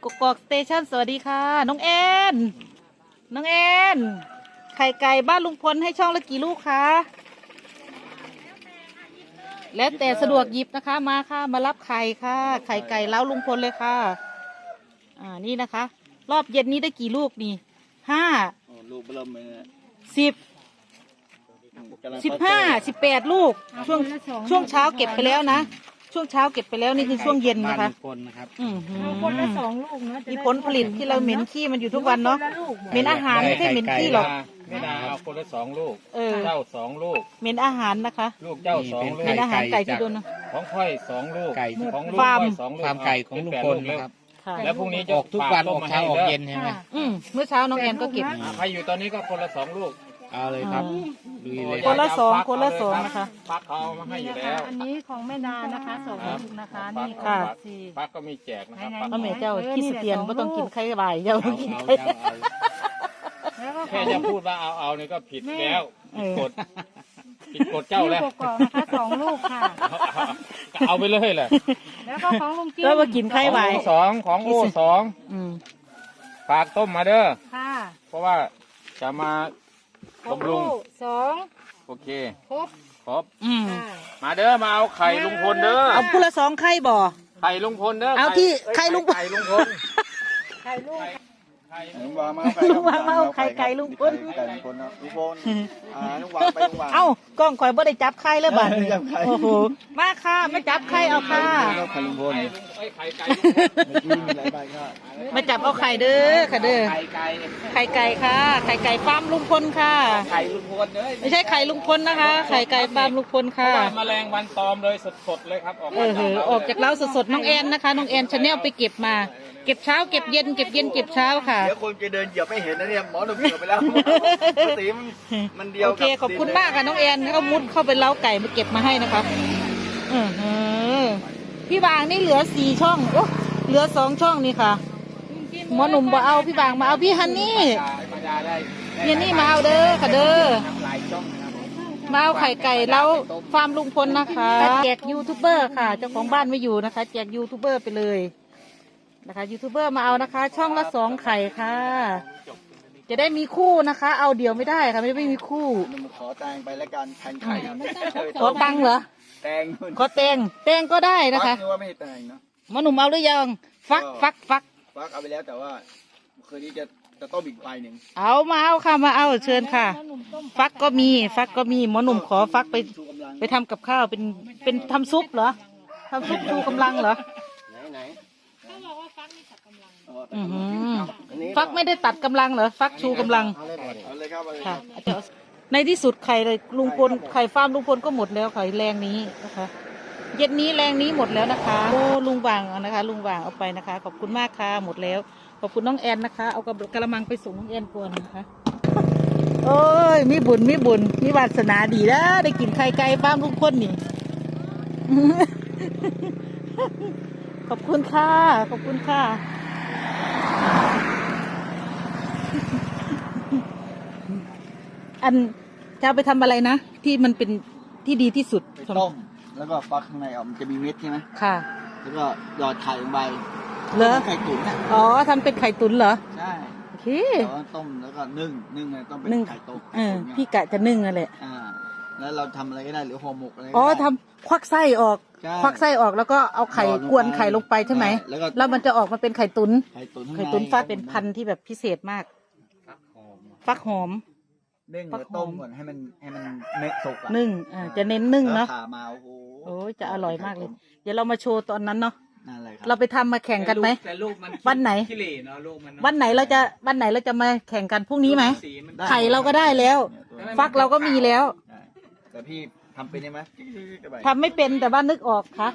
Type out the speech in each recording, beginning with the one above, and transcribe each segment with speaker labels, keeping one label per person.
Speaker 1: กกอกสเตชันสวัสดีค่ะน้องแอนน้องแอนไข่ไก่บ้านลุงพลให้ช่องละกี่ลูกคะแล้วแต่สะดวกหยิบนะคะมาค่ะมารับไข่ค่ะไข่ไก่เล้าลุงพลเลยค่ะนี่นะคะ รอบเย็นนี้ได้กี่ลูกนี่5
Speaker 2: ลูกเริ่มเลย
Speaker 1: 10 15 18ลูกช่วงเช้าเก็บไปแล้วนะช่วงเช้าเก็บไปแล้วนี่คือช่วงเย็นนะคะ
Speaker 3: คนนะครับ
Speaker 4: คนละ2 ลูกเนาะ
Speaker 1: มีผลผลิตที่เราเหม็นขี้มันอยู่ทุกวันเนาะเหม็นอาหารไม่ใช่เหม็นขี้หรอก
Speaker 2: ไม่ได้เอาคนละ2 ลูกเจ้า2 ลูก
Speaker 1: เหม็นอาหารนะคะ
Speaker 2: ลูกเจ้า2 ลูก
Speaker 1: เหม็นอาหารไก่ที่โดน
Speaker 2: ของค่อย2 ลูกของลูกค่อย2 ลูก
Speaker 3: ฟาร์มไก่ของลุงพลนะครับ
Speaker 2: แล้วพรุ่งนี้จะ
Speaker 3: ออกทุกวันออกเช้าออกเย็นใช่ไหม
Speaker 1: เมื่อเช้าน้องแอนก็เก็บ
Speaker 2: ใครอยู่ตอนนี้ก็คนละ2 ลูก
Speaker 3: เอาเลยครับดูเลย
Speaker 1: คนละ2คนละ2นะคะ
Speaker 2: พักเขามาให้อยู่แล้ว
Speaker 4: อันนี้ของแม่ดานะคะ2 ลูกนะคะนี่
Speaker 1: ค่ะ
Speaker 2: พักก็มีแจกนะครับ
Speaker 1: พ่อแม่เจ้าขี้เตียนไม่ต้องกินไข่ใบเจ้ากินไข่
Speaker 2: แค่จะพูดว่าเอานี่ก็ผิดแล้วผิดกฎเจ้าแล้ว
Speaker 4: กกอกนะคะ2 ลูกค่ะ
Speaker 2: เอาไปเลยแหละ
Speaker 4: แล้วก็ของลุงจิ้ม
Speaker 1: แล้วมากินไข่ใบ
Speaker 2: 2ของโอ้2ฝากต้มมาเด้อ
Speaker 4: ค่ะ
Speaker 2: เพราะว่าจะมาบำรุง
Speaker 4: 2
Speaker 2: โอเค
Speaker 4: ครบ
Speaker 2: มาเด้อมาเอาไข่ลุงพลเด้อ
Speaker 1: เอาพูละ2ไข่บ่
Speaker 2: ไข่ลุงพลเด้อ
Speaker 1: เอาที่ไข่ลุงพล
Speaker 4: ไข่ลูก
Speaker 2: ลุงวางมา
Speaker 1: เอาไข่ไก่ลุงพล
Speaker 2: ลุงพลลุงวางไปลุงวาง
Speaker 1: เอ้ากล้องคอยบ่ได้จับไข่เลยบัดโอ้โหมาค่ะมาจับไข่เอาค่ะ
Speaker 2: ไข่ลุงพลไข่ไก่
Speaker 1: มาจับเอาไข่เด้อค่ะเด้อไข่ไก่ค่ะไข่ไก่ฟาร์มลุงพลค่ะ
Speaker 2: ไข่ลุงพลเด้อ
Speaker 1: ไม่ใช่ไข่ลุงพลนะคะไข่ไก่ฟาร์มลุงพลค่ะ
Speaker 2: แมลงวันตอมเลยสดๆเลยครับ
Speaker 1: ออกจากเล้าสดๆน้องแอนนะคะน้องแอนชาแนลไปเก็บมาเก็บเช้าเก็บเย็นเก็บเย็นเก็บเช้าค่ะ
Speaker 2: เดี๋ยวคนจะเดินเหยียบไม่เห็นนะเนี่ยหมอหนุ่มเหยียบไปแล้วสีมันเดียว
Speaker 1: โอเคขอบคุณมากค่ะน้องแอนเขามุดเข้าไปเล้าไก่มาเก็บมาให้นะคะพี่บางนี่เหลือ4 ช่องโอ้เหลือ2 ช่องนี่ค่ะหมอหนุ่มบ่เอาพี่บางมาเอาพี่ฮันนี่พี่นี่มาเอาเด้อค่ะเด้อมาเอาไข่ไก่เล้าฟาร์มลุงพลนะคะแจกยูทูบเบอร์ค่ะเจ้าของบ้านไม่อยู่นะคะแจกยูทูบเบอร์ไปเลยนะคะยูทูบเบอร์มาเอานะคะช่องละ2 ไข่ค่ะจะได้มีคู่นะคะเอาเดี่ยวไม่ได้ค่ะไม่มีคู่
Speaker 2: ขอแตงไปแล้วกันแทนไข่
Speaker 1: ขอตังเหรอ
Speaker 2: แตง
Speaker 1: ขอแตงก็ได้นะคะ
Speaker 2: ว่าไม่แตงเนาะ
Speaker 1: หมอหนุ่มเอาหรือยังฟัก
Speaker 2: เอาไปแล้วแต่ว่าคืนนี้จะต้มอีกใบหนึ่ง
Speaker 1: มาเอาค่ะมาเอาเชิญค่ะฟักก็มีหมอหนุ่มขอฟักไปทำกับข้าวเป็นทำซุปเหรอทำซุปชูกำลังเหรอ
Speaker 2: ไหน
Speaker 1: ฟักไม่ได้ตัดกำลังเหรอฟักชูกำลังค่ะในที่สุดไข่เลยลุงพลไข่ฟาร์มลุงพลก็หมดแล้วไข่แรงนี้นะคะเย็นนี้แรงนี้หมดแล้วนะคะโอ้ลุงวางนะคะลุงวางเอาไปนะคะขอบคุณมากค่ะหมดแล้วขอบคุณน้องแอนนะคะเอากระมังไปส่งน้องแอนก่อนนะคะโอ้ยมีบุญมีวาสนาดีนะได้กินไข่ไก่ฟาร์มลุงพลนี่ขอบคุณค่ะอันจะไปทำอะไรนะที่มันเป็นที่ดีที่สุด
Speaker 2: ต้มแล้วก็ฟักข้างในมันจะมีเม็ดใช่ไหม
Speaker 1: ค่ะ
Speaker 2: แล้วก็หยอดไข่ลงไป
Speaker 1: เหรอ
Speaker 2: ไข่ตุ๋น
Speaker 1: ทำเป็นไข่ตุ๋นเหรอ
Speaker 2: ใช่
Speaker 1: โอเค
Speaker 2: ต้มแล้วก็นึ่งต้องเป็นไข่ต้ม
Speaker 1: พี่กะจะนึ่งอะไร
Speaker 2: แล้วเราทำอะไรก็ได้หรือห่อหมกอะไร
Speaker 1: ทำควักไส้ออกแล้วก็เอาไข่กวนไข่ลงไปใช่ไหมแล้วมันจะออกมาเป็นไข่ตุ๋นฟักเป็นพันธุ์ที่แบบพิเศษมากฟักหอม
Speaker 2: นึ่งแล้วต้มก่อนให้มันเม็ดสุก
Speaker 1: นึ่งจะเน้นนึ่งเนาะ
Speaker 2: ผ่ามา
Speaker 1: โอ้จะอร่อยมากเลยเดี๋ยวเรามาโชว์ตอนนั้นเนาะ
Speaker 2: นั่นเลยครับ
Speaker 1: เราไปทำมาแข่งกันไหมวันไหนวันไหนเราจะมาแข่งกันพรุ่งนี้ไหมไข่เราก็ได้แล้วฟักเราก็มีแล้ว
Speaker 2: แต่พี่ทำเป็นไหม
Speaker 1: ทำไม่เป็นแต่ว่านึกออกค่ะ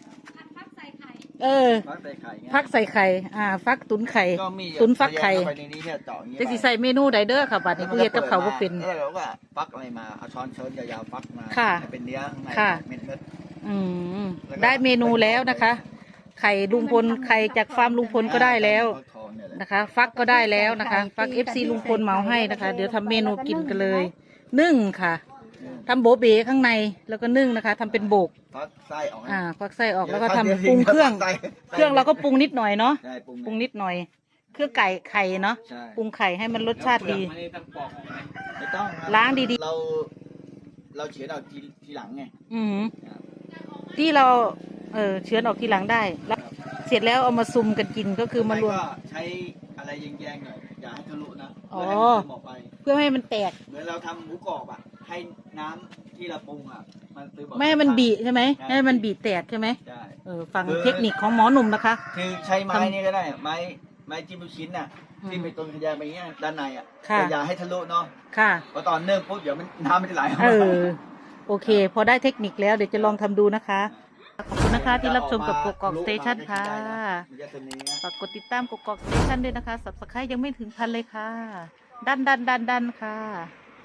Speaker 1: ฟักใส่ไข่ฟักตุ๋นไข่ตุ๋นฟักไข่จะใส่เมนูไดเดอร์ค่ะบัดนี้ผู้เฮ็ดกับเขาก็เป็น
Speaker 2: แล้วก็ฟักอะไรมาเอาช้อนเชิญยาวๆฟักมาเป็นเนื้อเม็ด
Speaker 1: ได้เมนูแล้วนะคะไข่ลุงพลไข่จากฟาร์มลุงพลก็ได้แล้วนะคะฟักก็ได้แล้วนะคะฟัก FC ลุงพลเหมาให้นะคะเดี๋ยวทำเมนูกินกันเลยนึ่งค่ะทำโบเบข้างในแล้วก็นึ่งนะคะทำเป็นโบก
Speaker 5: ฟักไส้ออก
Speaker 1: ควักไส้ออกแล้วก็ทำปรุงเครื่องเราก็ปรุงนิดหน่อยเนาะ
Speaker 5: ใช่ปรุง
Speaker 1: ปรุงนิดหน่อยเครื่องไก่ไข่เนาะ
Speaker 5: ใช่
Speaker 1: ปรุงไข่ให้มันรสชาติดี
Speaker 5: ไม่ต้องครับ
Speaker 1: ล้างดี
Speaker 5: เราเฉือนเอาทีหลังไง
Speaker 1: อืมที่เราเชื้อนออกทีหลังได้แล้วเสร็จแล้วเอามาซุ่มกันกินก็คือมารวม
Speaker 5: ก็ใช้อะไรแยงๆหน่อยอย่าให้ทะลุนะ
Speaker 1: อ๋อ
Speaker 5: เพื่อให้มันซึมออกไป
Speaker 1: เพื่อให้มันแตก
Speaker 5: เหมือนเราทำหมูกรอบอ่ะให้น้ำที่เราปรุงอ่ะมันซึมออก
Speaker 1: ไม่ให้มันบีใช่ไหมให้มันบีแตกใช่ไหม
Speaker 5: ใช่
Speaker 1: ฟังเทคนิคของหมอหนุ่มนะคะ
Speaker 5: คือใช้ไม้นี่ก็ได้ไม้จิ้มลูกชิ้นน่ะ
Speaker 1: อืม
Speaker 5: ที่ไปตรงขยายไปเงี้ยด้านในอ่ะ
Speaker 1: ค่ะ
Speaker 5: แต่อย่าให้ทะลุเนาะ
Speaker 1: ค่ะ
Speaker 5: เพราะตอนเนิ่มปุ๊บเดี๋ยวน้ำมันจะไหลออก
Speaker 1: เอ
Speaker 5: มา
Speaker 1: อโอเค พอได้เทคนิคแล้วเดี๋ยวจะลองทำดูนะคะขอบคุณนะคะที่รับชมกับกกอกสเตชันค่ะ
Speaker 5: มันจะเป็นอย่างนี้นะ
Speaker 1: ฝากกดติดตามกกอกสเตชันด้วยนะคะ subscribe ยังไม่ถึงพันเลยค่ะ ดันค่ะ